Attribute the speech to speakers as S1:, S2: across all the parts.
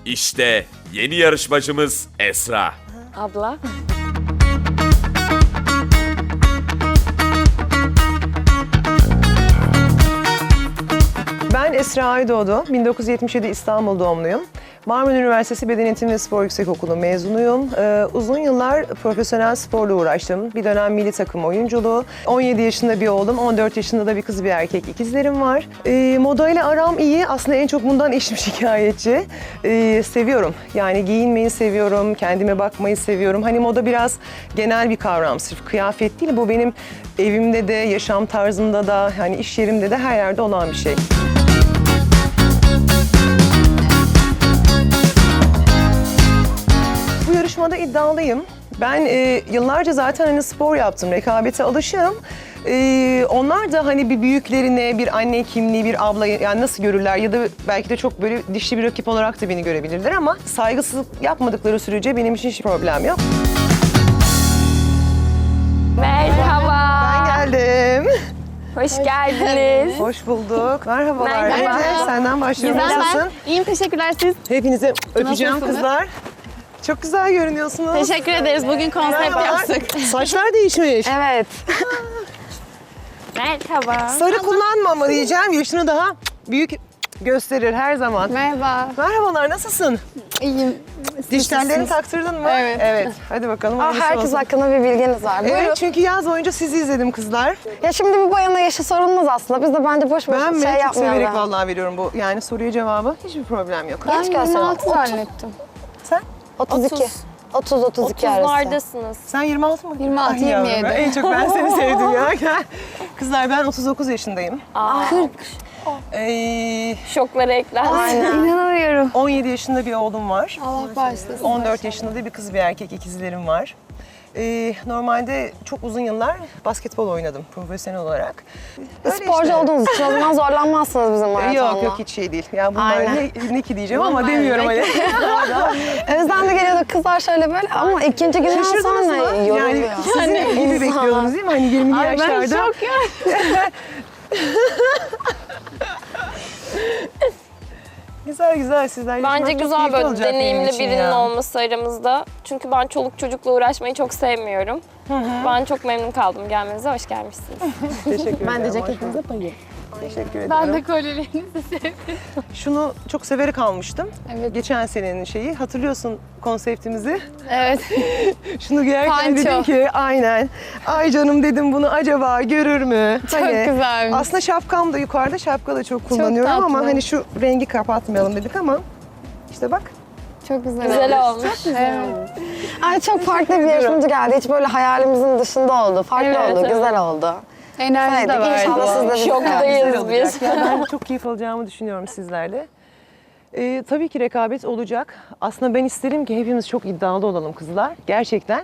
S1: İşte yeni yarışmacımız Esra.
S2: Abla.
S3: Ben Esra Aydoğdu, 1977 İstanbul doğumluyum. Marmara Üniversitesi Beden Eğitimi ve Spor Yüksekokulu mezunuyum. Uzun yıllar profesyonel sporla uğraştım. Bir dönem milli takım oyunculuğu. 17 yaşında bir oğlum, 14 yaşında da bir kız bir erkek ikizlerim var. Modayla aram iyi. Aslında en çok bundan eşim şikayetçi. Seviyorum. Yani giyinmeyi seviyorum, kendime bakmayı seviyorum. Hani moda biraz genel bir kavram, sırf kıyafet değil. Bu benim evimde de, yaşam tarzımda da, hani iş yerimde de her yerde olan bir şey. Bu yarışmada iddialıyım. Ben yıllarca zaten hani spor yaptım, rekabete alışığım. Onlar da hani bir büyüklerine, bir anne kimliği, bir abla yani nasıl görürler ya da belki de çok böyle dişli bir rakip olarak da beni görebilirler ama saygısızlık yapmadıkları sürece benim için hiç problem yok.
S2: Merhaba.
S3: Ben geldim.
S2: Hoş geldiniz.
S3: Hoş bulduk. Merhabalar.
S2: Merhaba.
S3: Ece, senden başlıyorum.
S4: Güzel,
S3: Nasılsın?
S4: İyiyim, teşekkürler siz.
S3: Hepinizi öpeceğim
S4: Nasılsınız?
S3: kızlar. Çok güzel görünüyorsunuz.
S4: Teşekkür ederiz. Bugün konsept
S3: Merhabalar.
S4: yaptık.
S3: Saçlar değişmiş.
S2: Evet. Merhaba.
S3: Sarı kullanma ama diyeceğim. Yaşını daha büyük gösterir her zaman.
S4: Merhaba.
S3: Merhabalar, nasılsın?
S4: İyiyim.
S3: Diş tellerini taktırdın mı?
S4: Evet.
S3: Evet. Hadi bakalım. hayırlısı
S2: Herkes
S3: olsun.
S2: hakkında bir bilginiz var. Buyurun.
S3: Evet, çünkü yaz boyunca sizi izledim kızlar.
S2: Ya şimdi bir bayana yaşı sorulmaz aslında. Biz de bence boş boş
S3: Ben
S2: şey
S3: çok severek
S2: yapmayalım.
S3: vallahi veriyorum bu yani soruya cevabı. Hiçbir problem yok.
S2: Genç gösterin.
S4: 26 zannettim.
S3: Sen?
S2: 32. 30-32 arası.
S5: 30'lardasınız.
S3: Sen 26 mı?
S4: 26,
S3: Ay yavrum,
S4: 27.
S3: En çok ben seni sevdim ya. Gel. Kızlar ben 39 yaşındayım.
S4: 40.
S5: Şoklara eklendi.
S4: İnanamıyorum.
S3: 17 yaşında bir oğlum var.
S4: Allah bağışlasın.
S3: 14 yaşında da bir kız bir erkek ikizlerim var. Normalde çok uzun yıllar basketbol oynadım profesyonel olarak. Öyle
S2: Sporcu
S3: işte.
S2: olduğunuz için o zaman zorlanmazsınız bizim maratonla.
S3: Yok hiç şey değil. Ya bunlar
S2: Aynen.
S3: ne ki diyeceğim ama demiyorum hani.
S2: Özlem de geliyordu kızlar şöyle böyle ama ikinci günden
S3: Şaşırdınız
S2: sonra
S3: mı? Yani
S2: yoruluyor.
S3: sizin gibi bekliyordunuz değil mi? Hani 20'li yaşlarda.
S4: Ben şok ya.
S3: Güzel güzel sizler.
S5: Bence
S3: yaşamak çok
S5: güzel
S3: keyifli
S5: böyle
S3: olacak benim
S5: deneyimli
S3: için
S5: birinin
S3: ya.
S5: olması aramızda. Çünkü ben çoluk çocukla uğraşmayı çok sevmiyorum. Ben çok memnun kaldım gelmenize. Hoş gelmişsiniz.
S3: Teşekkür ederim.
S4: Ben de
S3: hoş
S4: ceketinize
S3: bulduk.
S4: bayıldım.
S3: Teşekkür ederim.
S4: Ben de kolyelerinizi sevdim.
S3: Şunu çok severek almıştım.
S4: Evet.
S3: Geçen senenin şeyi. Hatırlıyorsun konseptimizi.
S4: Evet.
S3: Şunu giyerken
S4: Panço.
S3: dedim ki aynen. Ay canım dedim bunu acaba görür mü?
S4: Çok güzelmiş.
S3: Aslında şapkam da yukarıda. Şapka da çok kullanıyorum
S4: tatlı.
S3: ama hani şu rengi kapatmayalım dedik ama işte bak.
S4: Çok güzel.
S5: Güzel olmuş.
S4: Evet.
S2: Ay çok farklı bir yarışmacı geldi. Hiç böyle hayalimizin dışında oldu. Farklı
S4: Evet,
S2: oldu,
S4: evet.
S2: güzel oldu.
S4: Enerji de
S2: Haydi,
S4: vardı.
S2: İnşallah siz de bizi
S5: Şoktayız
S3: Güzel olacak.
S5: biz.
S3: Ya ben çok keyif alacağımı düşünüyorum sizlerle. Tabii ki rekabet olacak. Aslında ben isterim ki hepimiz çok iddialı olalım kızlar. Gerçekten.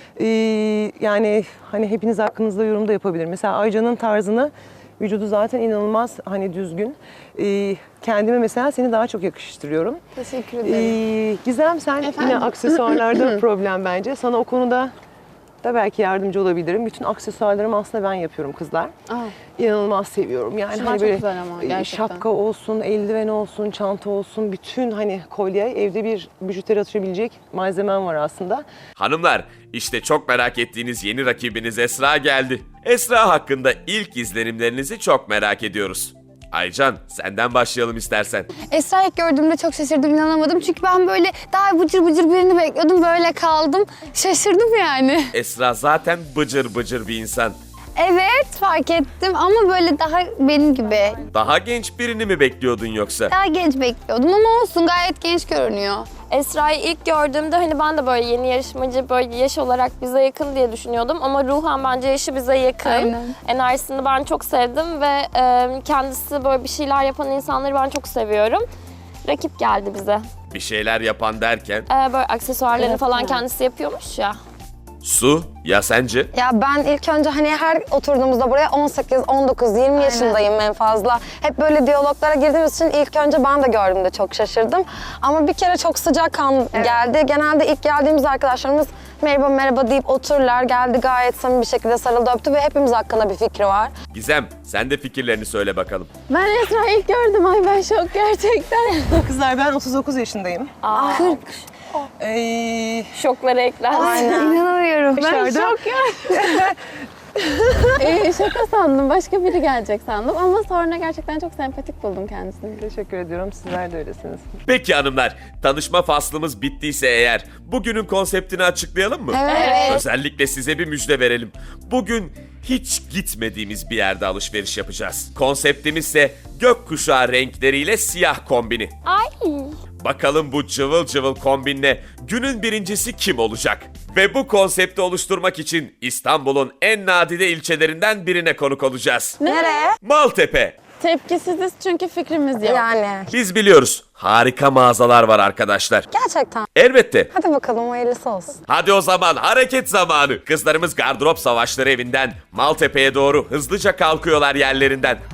S3: Yani hani hepiniz hakkınızda yorum da yapabilir. Mesela Aycan'ın tarzını, vücudu zaten inanılmaz hani düzgün. Kendime mesela seni daha çok yakıştırıyorum.
S4: Teşekkür ederim.
S3: Gizem sen yine aksesuarlarda problem bence. Sana o konuda da belki yardımcı olabilirim. Bütün aksesuarlarımı aslında ben yapıyorum kızlar. İnanılmaz seviyorum. Yani
S4: Şunlar
S3: hani
S4: çok
S3: böyle
S4: güzel ama gerçekten.
S3: şapka olsun, eldiven olsun, çanta olsun, bütün hani kolye, evde bir bijuteri atabilecek malzemem var aslında.
S1: Hanımlar, işte çok merak ettiğiniz yeni rakibiniz Esra geldi. Esra hakkında ilk izlenimlerinizi çok merak ediyoruz. Aycan, senden başlayalım istersen.
S4: Esra'yı ilk gördüğümde çok şaşırdım, inanamadım. Çünkü ben böyle daha bıcır bıcır birini bekliyordum. Böyle kaldım. Şaşırdım yani.
S1: Esra zaten bıcır bıcır bir insan.
S4: Evet, fark ettim ama böyle daha benim gibi.
S1: Daha genç birini mi bekliyordun yoksa?
S4: Daha genç bekliyordum ama olsun, gayet genç görünüyor.
S5: Esra'yı ilk gördüğümde hani ben de böyle yeni yarışmacı böyle yaş olarak bize yakın diye düşünüyordum. Ama ruhen bence yaşı bize yakın.
S4: Aynen.
S5: Enerjisini ben çok sevdim ve kendisi böyle bir şeyler yapan insanları ben çok seviyorum. Rakip geldi bize.
S1: Bir şeyler yapan derken
S5: Böyle aksesuarlarını falan kendisi yapıyormuş ya.
S1: Su, ya sence?
S2: Ya ben ilk önce hani her oturduğumuzda buraya 18, 19, 20 yaşındayım en fazla. Hep böyle diyaloglara girdiğimiz için ilk önce ben de gördüğümde çok şaşırdım. Ama bir kere çok sıcakkanlı geldi. Genelde ilk geldiğimiz arkadaşlarımız merhaba merhaba deyip otururlar. Geldi gayet samimi bir şekilde sarıldı öptü ve hepimiz hakkında bir fikri var.
S1: Gizem, sen de fikirlerini söyle bakalım.
S6: Ben Esra'yı ilk gördüm. Ay ben şok gerçekten.
S3: Kızlar ben 39 yaşındayım.
S4: 40.
S5: Şoklara ekler.
S4: İnanamıyorum.
S6: Ben
S3: Dışarıda-
S6: şok ya. Şaka sandım. Başka biri gelecek sandım. Ama sonra gerçekten çok sempatik buldum kendisini.
S3: Teşekkür ediyorum. Sizler de öylesiniz.
S1: Peki hanımlar, tanışma faslımız bittiyse eğer bugünün konseptini açıklayalım mı?
S2: Evet.
S1: Özellikle size bir müjde verelim. Bugün hiç gitmediğimiz bir yerde alışveriş yapacağız. Konseptimiz ise gökkuşağı renkleriyle siyah kombini.
S5: Ay.
S1: Bakalım bu cıvıl cıvıl kombinle günün birincisi kim olacak? Ve bu konsepti oluşturmak için İstanbul'un en nadide ilçelerinden birine konuk olacağız.
S2: Nereye?
S1: Maltepe.
S6: Tepkisiziz çünkü fikrimiz yok.
S2: Yani.
S1: Biz biliyoruz, harika mağazalar var arkadaşlar.
S2: Gerçekten.
S1: Elbette.
S2: Hadi bakalım hayırlısı olsun.
S1: Hadi o zaman hareket zamanı. Kızlarımız gardırop savaşları evinden Maltepe'ye doğru hızlıca kalkıyorlar yerlerinden.